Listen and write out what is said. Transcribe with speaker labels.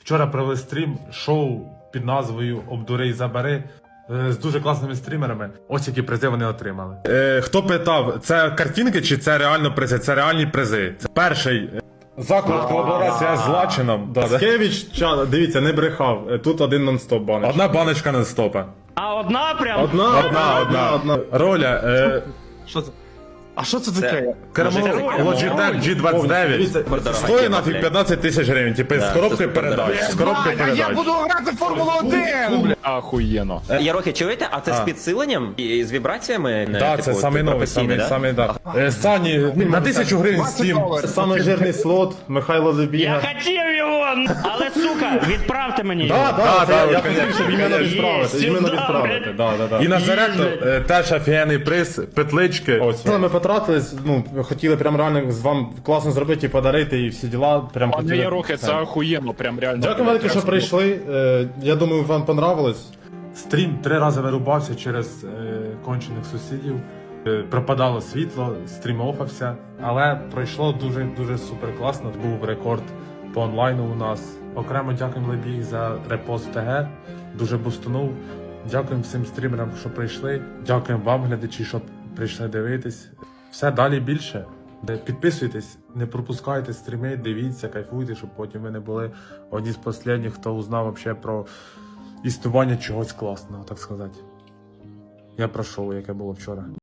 Speaker 1: Вчора провели стрім, шоу під назвою «Обдури і забери» з дуже класними стрімерами. Ось які призи вони отримали. Хто питав, це картинки чи це реально призи? Це реальні призи. Це перший заклад колаборація з Лачином.
Speaker 2: Паскевич, дивіться, не брехав. Тут один нон-стоп баночка.
Speaker 1: Одна баночка нон-стопа.
Speaker 3: А одна прям?
Speaker 2: Одна.
Speaker 1: Роля.
Speaker 4: Що це? А що це таке?
Speaker 1: Кермо Logitech G29. Стоїть нафіг 15 тисяч гривень, типу з коробкою передач. З коробкою
Speaker 4: А я
Speaker 1: передач.
Speaker 4: буду грати в Формулу 1, бля.
Speaker 5: Ахуєно.
Speaker 6: Ярохи, чуєте? А це з підсиленням і з вібраціями?
Speaker 1: Так, це самий новий, самий, да. Сані, на 1000 гривень Steam.
Speaker 2: Самий жирний слот, Михайло
Speaker 3: Я
Speaker 2: Лебіга.
Speaker 3: хотів його, але сука, відправте мені його.
Speaker 2: Я хотів, щоб іменно відправити.
Speaker 1: І на зарядку теж офігенний приз, петлички.
Speaker 2: Ось. Ми потратились, хотіли прям реально з вам класно зробити і подарити, і всі діла. Прям
Speaker 5: Пане
Speaker 2: хотіли.
Speaker 5: Ярохи, це ахуєнно, прям реально.
Speaker 2: Дякую велике, що прийшли. Я думаю, вам понравилось.
Speaker 1: Стрім 3 рази вирубався через кончених сусідів. Пропадало світло, стрім офався. Але пройшло дуже супер класно. Був рекорд по онлайну у нас. Окремо дякуємо Лебіг за репост ТГ. Дуже бустунув. Дякуємо всім стрімерам, що прийшли. Дякуємо вам, глядачі, що прийшли дивитись. Все далі більше. Підписуйтесь, не пропускайте стріми, дивіться, кайфуйте, щоб потім ви не були одні з останніх, хто узнав вообще про існування чогось класного, так сказати. Я про шоу, яке було вчора.